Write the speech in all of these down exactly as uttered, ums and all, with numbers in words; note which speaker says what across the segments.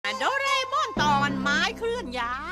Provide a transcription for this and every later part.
Speaker 1: โดเรมอนตอนไม้เคลื่อนย้าย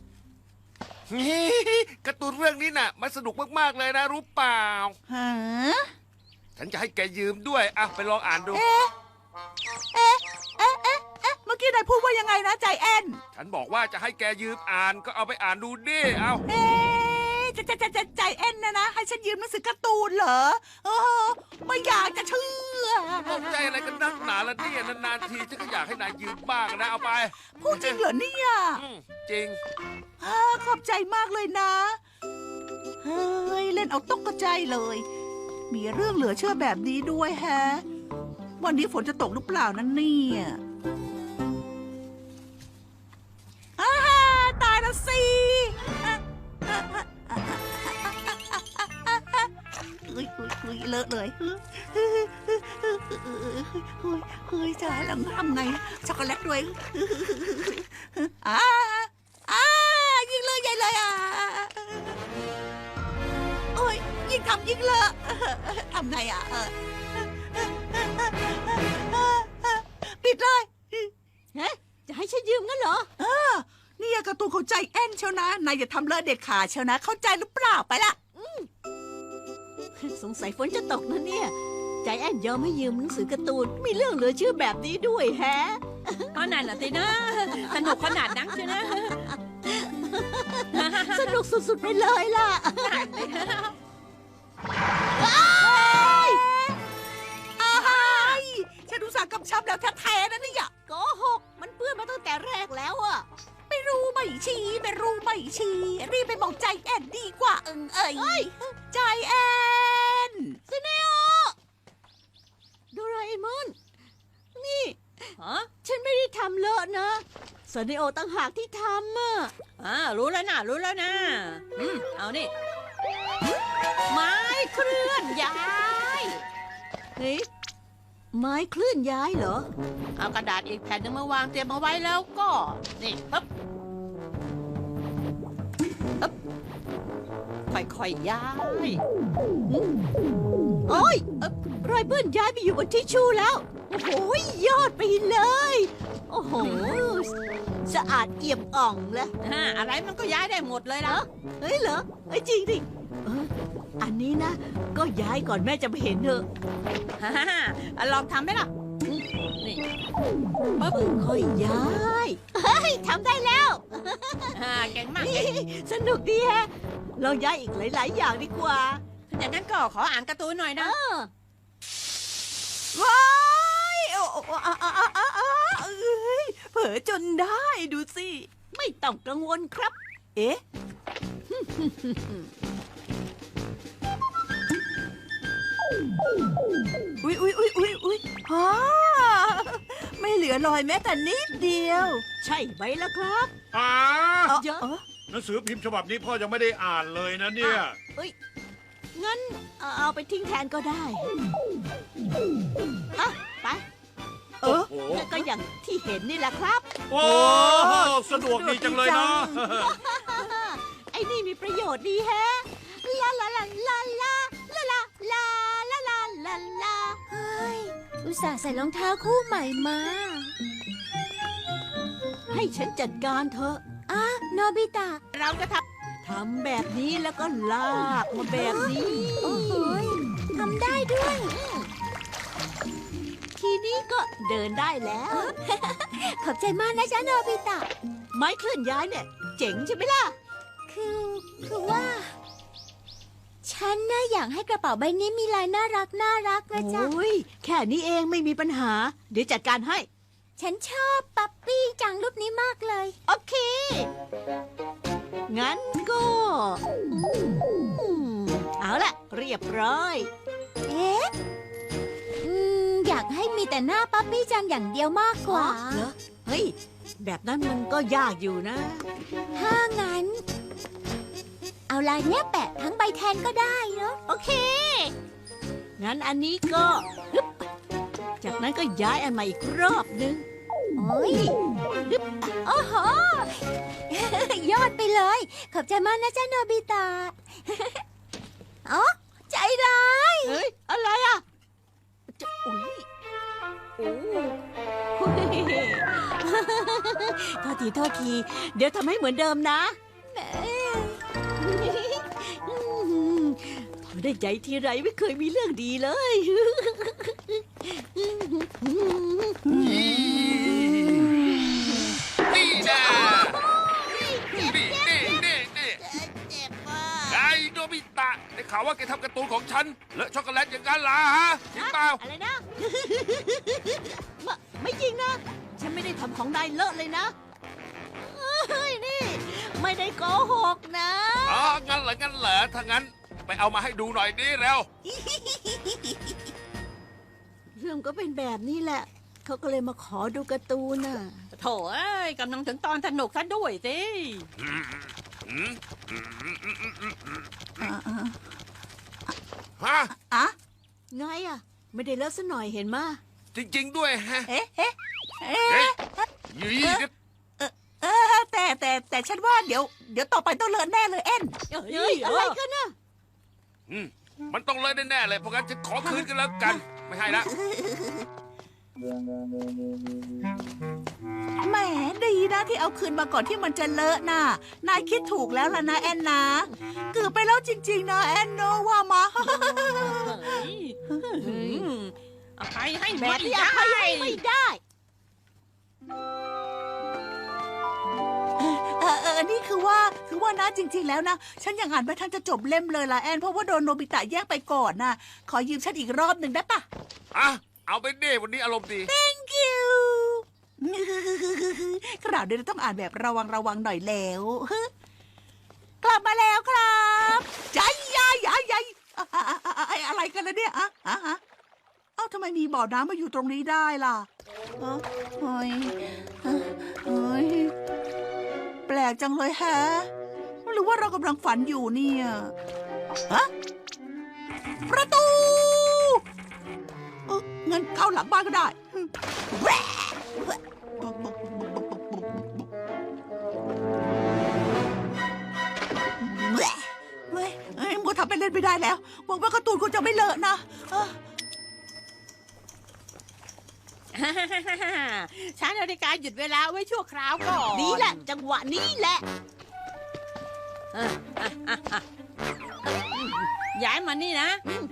Speaker 2: การ์ตูนเรื่องนี้น่ะมันสนุกมากๆเลยนะรู้เปล่า
Speaker 3: ฮะ
Speaker 2: ฉันจะให้แกยืมด้วยอ่ะไปลองอ่านดู
Speaker 3: เอ๊ะ เอ๊ะ เอ๊ะ เอ๊ะ เอ๊ะ เมื่อกี้นายพูดว่ายังไงนะใจแอน
Speaker 2: ฉันบอกว่าจะให้แกยืมอ่านก็เอาไปอ่านดูดิเอา
Speaker 3: เอ๊ะจะจะจะจะใจแอนนะนะ ให้ฉันยืมหนังสือการ์ตูนเหรอโอ้โหไม่อยากจะเชื่อ
Speaker 2: ตกใจอะไรกันนักหนาละเนี่ยนานๆทีฉันก็อยากให้นายยืมบ้างนะเอาไป
Speaker 3: พูดจริงเหรอเนี่ย
Speaker 2: อืมจริง
Speaker 3: อ่าขอบใจมากเลยนะ เฮ้ย เล่นเอาตกกระใจเลย มีเรื่องเหลือเชื่อแบบนี้ด้วยแฮะ วันนี้ฝนจะตกหรือเปล่านั่นเนี่ยอ้าตายแล้วสิเฮ้ยเฮ้ยเฮ้ยเลอะเลยเฮ้ยเฮ้ยเฮ้ยจะให้เราทำไงช็อกโกแลตด้วยอ้าอ้ายิงเลยใหญ่เลยอ่ะโอ้ยยิงทำยิงเลอะทำไงอ่ะปิดเลย
Speaker 1: เฮ้จะให้ฉันยืมงั้นเหรอ
Speaker 3: เออนี่การ์ตูนเข้าใจแอนเชียวนะ นายอย่าทำเลอะเด็ดขาดเชียวนะ เข้าใจหรือเปล่าไปละ
Speaker 1: สงสัยฝนจะตกนะเนี่ย ใจแอนยอมให้ยืมหนังสือการ์ตูน มีเรื่องเหลือเชื่อแบบนี้ด้วยแฮะก็นั่นน่ะสินะ สนุกขนาดนั้นใช่นะ สนุกสุดๆไปเลยล่ะ
Speaker 3: อ้ายฉันอุตส่าห์กำชับแล้วแท้ๆนะเนี่ย
Speaker 1: โกหก มันเปื้อนมาตั้งแต่แรกแล้วอะ
Speaker 3: ไม่รู้ไม่ชี้ไม่รู้ไม่ชี้รีบไปบอกใจแอนดีกว่าเอิงเอ้ยใจแอน
Speaker 1: ซิเนโอโดราเอมอน นี่ฮะฉันไม่ได้ทำเลอะนะซาเนโอตั้งหากที่ทำอ่ะอ่ารู้แล้วนะรู้แล้วนะอืมเอานี่ ไม้เคลื่อนย้ายเฮ้ยไม้เคลื่อนย้ายเหรอ เอากระดาษอีกแผ่นหนึงมาวางเตรียมเอาไว้แล้วก็ นี่ปึ๊บปึ๊บค่อยๆย้ายอืมโอ้ยเอ๊ะรอยเปื้อนย้ายไปอยู่บนทิชชู่แล้ว โอ้โหยอดไปเลย โอ้โห สะอาดเอี่ยมอ่องแล้วอะไรมันก็ย้ายได้หมดเลยแล้วเฮ้ยเหรอเฮ้ยจริงดิเอออันนี้นะ ก็ย้ายก่อนแม่จะไปเห็นเถอะฮ่าฮ่าลองทำไหมล่ะอืมนี่ปั๊บค่อยย้ายเฮ้ยทำได้แล้วฮ่าเก่งมากสนุกดีแฮะลองย้ายอีกหลายๆอย่างดีกว่าอย่างนั้นก็ขออ่านการ์ตูนหน่อยนะ
Speaker 3: ว้ายโอ้โอ้อาอาอาอาอาเอ้ยเผลอจนได้ดูสิ
Speaker 1: ไม่ต้องกังวลครับ
Speaker 3: เอ๊ะอุ๊ยอุ๊ยอุ๊ยอุ๊ยอุ๊ยฮ่าไม่เหลือรอยแม้แต่นิดเดียว
Speaker 1: ใช่ไหมล่ะครับ
Speaker 4: อ่า
Speaker 3: เอ้า
Speaker 1: เยอะ
Speaker 3: เอ้า
Speaker 4: หนังสือพิมพ์ฉบับนี้พ่อยังไม่ได้อ่านเลยนะเนี่ย
Speaker 1: เอ้ยงั้นเอาเอาไปทิ้งแทนก็ได้อ่ะไป
Speaker 3: เออ
Speaker 4: โอ้
Speaker 1: ก็อย่างที่เห็นนี่แหละครับ
Speaker 4: โอ้สะดวกดีจังเลยนะ
Speaker 1: ไอ้นี่มีประโยชน์ดีแฮะ ลาลาลาลาลาลาลาลาลาลาลาลา
Speaker 5: เฮ้ย อุตส่าห์ใส่รองเท้าคู่ใหม่มา
Speaker 1: ให้ฉันจัดการเถอะ
Speaker 5: อ่ะโนบิตะ
Speaker 1: เราจะทำทำแบบนี้แล้วก็ลากมาแบบนี้
Speaker 5: โอ้โหยทำได้ด้วย
Speaker 1: ทีนี้ก็เดินได้แล้ว
Speaker 5: ขอบใจมากนะจ๊ะโนบิตะ
Speaker 1: ไม้เคลื่อนย้ายเนี่ย เจ๋งใช่ไหมล่ะ
Speaker 5: คือ คือว่า ฉันน่ะอยากให้กระเป๋าใบนี้มีลายน่ารักน่ารักนะจ๊ะ
Speaker 1: โอ้ย แค่นี้เองไม่มีปัญหา เดี๋ยวจัดการให้
Speaker 5: ฉันชอบปั๊ปปี้จังรูปนี้มากเลย
Speaker 1: โอเค งั้นก็อืมเอาละเรียบร้อย
Speaker 5: เอ๊ะอืมอยากให้มีแต่หน้าปั๊ปปี้จังอย่างเดียวมากกว่า
Speaker 1: เหรอ เฮ้ย แบบนั้นมันก็ยากอยู่นะ
Speaker 5: ถ้างั้น เอาลายเนี้ยแปะทั้งใบแทนก็ได้เนาะ
Speaker 1: โอเค งั้นอันนี้ก็ฮึบจากนั้นก็ย้ายอันใหม่อีกรอบนึง
Speaker 5: โอ้ย
Speaker 1: ฮึบ
Speaker 5: โอ้โห ยอดไปเลย ขอบใจมากนะจ๊ะโนบิตะ อ๋อใจร้าย
Speaker 1: เฮ้ย อะไรอ่ะจะอุ๊ยโอ้โหโทษทีโทษที เดี๋ยวทำให้เหมือนเดิมนะพอได้ใจทีไรไม่เคยมีเรื่องดีเลย
Speaker 2: นี่นะนี่นี่นี่นี่ไอ้โนบิตะได้ข่าวว่าแกทำการ์ตูนของฉันเลอะช็อกโกแลตอย่างนั้นล่ะฮะจริงเปล่า
Speaker 1: อะไรนะ ไม่ไม่จริงนะ ฉันไม่ได้ทำของนายเลอะเลยนะเฮ้ยนี่ ไม่ได้โกหกนะ
Speaker 2: อ๋องั้นเหรองั้นเหรอถ้างั้นไปเอามาให้ดูหน่อยดิเร็ว
Speaker 1: เรื่องก็เป็นแบบนี้แหละ เขาก็เลยมาขอดูการ์ตูนน่ะ
Speaker 6: โถเอ้ยกำลังถึงตอนสนุกซะด้วยสิ
Speaker 2: อืมอืมอืมอืมอืมอืมอืมอืม
Speaker 3: อ่าอ่า
Speaker 2: ฮะ
Speaker 3: อ่ะ
Speaker 1: ไงอ่ะ ไม่ได้เลอะซะหน่อยเห็นมา
Speaker 2: จริง ๆ ด้วยฮะ
Speaker 3: เอ๊ะเอ๊ะเอ๊
Speaker 2: เฮ้ย
Speaker 3: ะ
Speaker 2: ยี่
Speaker 3: เออแต่แต่แต่ฉันว่าเดี๋ยวเดี๋ยวต่อไปต้องเลินแน่เลยเอ็น
Speaker 1: เฮ้ย อะไรกันน่ะ
Speaker 2: อืมมันต้องเลยแน่ๆเลยเพราะงั้นฉันขอคืนกันแล้วกัน ไม่ให้ละ
Speaker 3: แหมดีนะที่เอาคืนมาก่อนที่มันจะเลอะน่ะนายคิดถูกแล้วล่ะนะแอนนะเกือบไปแล้วจริง ๆ นะแอนโนว่ามา
Speaker 6: เฮ้ยอืมอภัยให้
Speaker 1: แบ
Speaker 6: ไม่
Speaker 1: บนี้อ
Speaker 6: ได้
Speaker 1: ภัยให้ไม่ได้
Speaker 3: เออเออนี่คือว่าคือว่านะจริง ๆ แล้วนะ ฉันยังอ่านไม่ทันจะจบเล่มเลยล่ะแอนเพราะว่าโดนโนบิตะแยกไปก่อนนะขอยืมฉันอีกรอบหนึ่งได้ปะ
Speaker 2: อ่ะ เอาไปดิวันนี้อารมณ์ดี
Speaker 3: Thank you คราวนี้เราต้องอ่านแบบระวังระวังหน่อยแล้ว กลับมาแล้วครับใจยายยายยายอะอะอะอะอะอะไรกันล่ะเนี่ยอะอะอะเอ้าทำไมมีบ่อน้ำมาอยู่ตรงนี้ได้ล่ะเอ้าเฮ้ยเฮ้ยแปลกจังเลยแฮะหรือว่าเรากำลังฝันอยู่เนี่ยฮะประตูเอ้างั้นเข้าหลังบ้านก็ได้แหวะแหวะเฮ้ยเฮ้ยมัวทำเป็นเล่นไม่ได้แล้วหวังว่าการ์ตูนคงจะไม่เลอะนะเอ้อ
Speaker 6: ฉันนาฬิกาหยุดเวลาไว้ชั่วคราวก่อน
Speaker 1: นี่แหละ จังหวะนี้แหละ
Speaker 6: อ่ะอ่ะอ่ะอ่ะย้ายมานี่นะ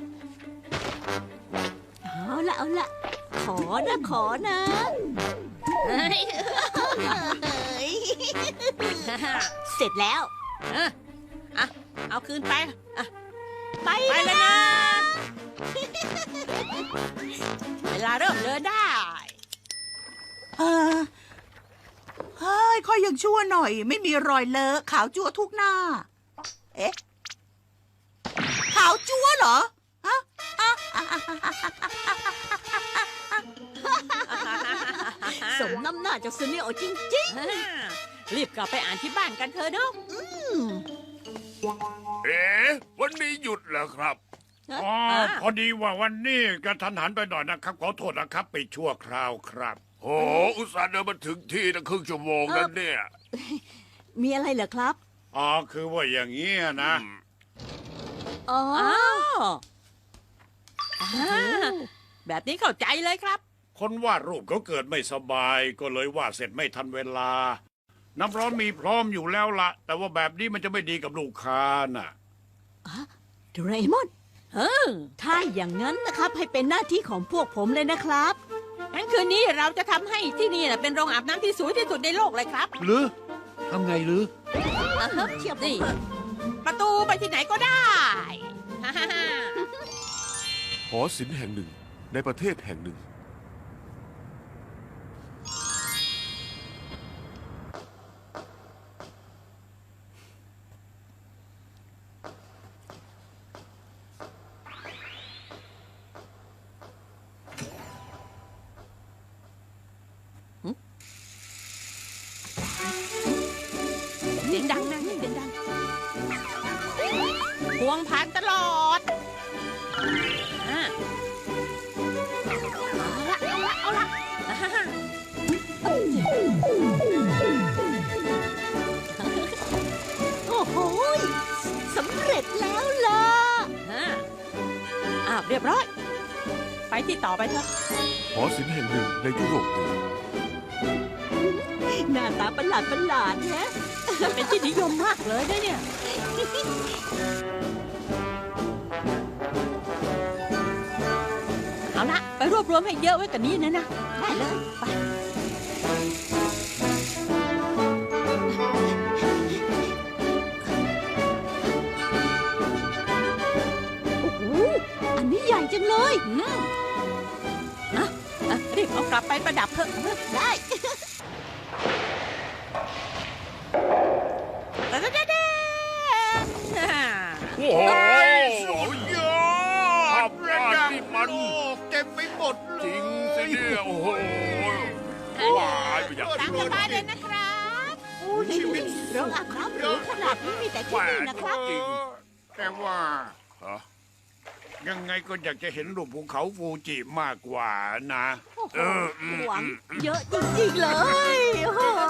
Speaker 1: เอาละเอาละขอนะขอนะ
Speaker 6: เฮ้ย
Speaker 1: เฮ้ยเสร็จแล้ว
Speaker 6: เอออ่ะเอาคืนไปอ่ะ
Speaker 1: ไป
Speaker 6: ไปเลย
Speaker 1: นะ
Speaker 6: นะ เวลาเริ่มเดินได้
Speaker 3: เออเฮ้ยค่อยยังชั่วหน่อย ไม่มีรอยเลอะขาวจั๊วทุกหน้า เอ๊ะ ขาวจั๊วเหรอฮะอ่ะอ่ะอ่ะอ่ะอ่ะอ่ะ
Speaker 1: สมน้ำหน้าจากซูเนโอจริง
Speaker 6: รีบกลับไปอ่านที่บ้านกันเถอะเนาะ
Speaker 1: ๆอืม
Speaker 2: เอ๋วันนี้หยุดเหรอครับ
Speaker 4: อ๋อพอดีว่าวันนี้กระทันหันไปหน่อยนะครับ ขอโทษนะครับไปชั่วคราวครับ
Speaker 2: โอ้อุตส่าห์เดินมาถึงที่ตั้งครึ่งชั่วโมงนั่นเนี่ย
Speaker 1: มีอะไรเหรอครับ
Speaker 4: อ๋อคือว่าอย่างนี้ยนะ
Speaker 2: อืม
Speaker 1: อ๋อ
Speaker 6: อ้าวอ่าแบบนี้เข้าใจเลยครับ
Speaker 4: คนวาดรูปเขาเกิดไม่สบายก็เลยวาดเสร็จไม่ทันเวลา น้ำร้อนมีพร้อมอยู่แล้วละแต่ว่าแบบนี้มันจะไม่ดีกับลูกค้าน่ะ
Speaker 1: โดเรมอน
Speaker 6: เออ
Speaker 1: ถ้าอย่างนั้นนะครับ ให้เป็นหน้าที่ของพวกผมเลยนะครับ
Speaker 6: งั้นคืนนี้เราจะทำให้ที่นี่น่ะเป็นโรงอาบน้ำที่สวยที่สุดในโลกเลยครับ
Speaker 4: หรือทำไงหรือ
Speaker 1: อ่ะครับเทียบ
Speaker 6: นี่
Speaker 1: นี่
Speaker 6: ประตูไปที่ไหนก็ได้ ฮ่าฮ่าฮ่า
Speaker 2: หอศิลป์แห่งหนึ่งในประเทศแห่งหนึ่ง
Speaker 6: เสียงดังนะเสียงดังพวงผ่านตลอดอ่ะเอาละเอาละเอาละอ่าฮ่าฮ่า
Speaker 1: โอ้โหยสำเร็จแล้วล่ะ
Speaker 6: อ่าอ้าวเรียบร้อย ไปที่ต่อไปเถอะ
Speaker 7: หอศิลป์แห่งหนึ่งในยุโรปเหนือ
Speaker 1: หน้าตาประหลาดประหลาดๆนะ
Speaker 6: เป็นที่นิยมมากเลยนะเนี่ยเอาละไปรวบรวมให้เยอะไว้กันนี้นะนะ
Speaker 1: ได้เลย
Speaker 6: ไป
Speaker 1: โอ้โห อันนี้ใหญ่จังเลย
Speaker 6: อืมอ่ะอ่ะรีบเอากลับไปประดับเถอะ
Speaker 1: ได้
Speaker 6: แต่แต่แต่
Speaker 2: โอ้โห
Speaker 4: สุดยอ
Speaker 2: ภา
Speaker 4: ด
Speaker 2: พวาดนี่มัน
Speaker 4: โลกเต็มไปหมดเลย
Speaker 2: จริงสิเนี่ยโอ้โหว้ายไม่อยาก
Speaker 6: ตามสบายเลยนะครับ
Speaker 1: โอ้ยโรงอาบน้ำหรูขนาดนี้มีแต่ที่นี่นะครับ
Speaker 4: จริงแต่ว่า
Speaker 2: ฮะ
Speaker 4: ยังไงก็อยากจะเห็นรูปภูเขาฟูจิมากกว่านะ
Speaker 1: โอ้โห
Speaker 2: เอออืม
Speaker 1: หวังเยอะจริงๆเลย โอ้โห